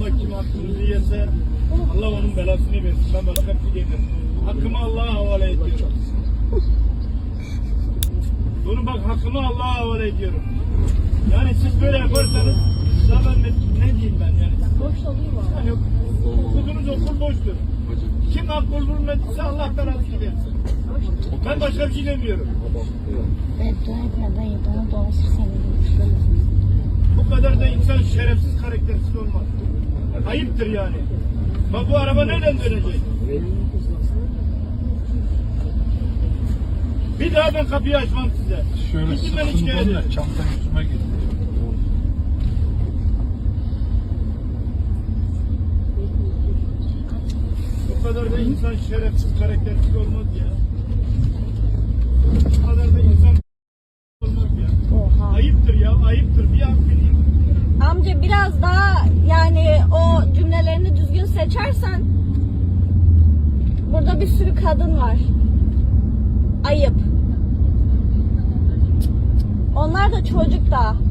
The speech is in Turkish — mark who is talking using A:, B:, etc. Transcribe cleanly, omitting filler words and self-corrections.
A: Allah kim hakkınızı yese Allah onun belasını versin. Ben başka bir şey demiyorum. Hakkımı Allah'a havale ediyorum. Bunu bak, hakkımı Allah'a havale ediyorum. Yani siz böyle yaparsanız daha ben ne diyeyim ben yani.
B: Boş olayım mı?
A: Yani okuduğunuz okul boştur. Kim hak bulunmadıysa Allah belasını versin. Ben başka bir şey demiyorum.
C: Beddua etme dayı, bana dolaşır senin.
A: Bu kadar da insan şerefsiz, karaktersiz olmaz. Ayıptır yani. Bak bu araba nereden dönecek? Bir daha ben kapıyı açmam size.
D: Şöyle
A: Gidin ben
D: sıkıntı
A: şikayet
D: olunca
A: ederim.
D: çanta yüzüme gitti.
A: Bu kadar da insan şerefsiz, karaktersiz olmaz ya. Bu kadar da insan olmaz ya.
C: Oha.
A: Ayıptır ya, ayıptır. Bir an bileyim.
B: Amca biraz daha yani o cümlelerini düzgün seçersen, burada bir sürü kadın var. Ayıp. Onlar da çocuk da.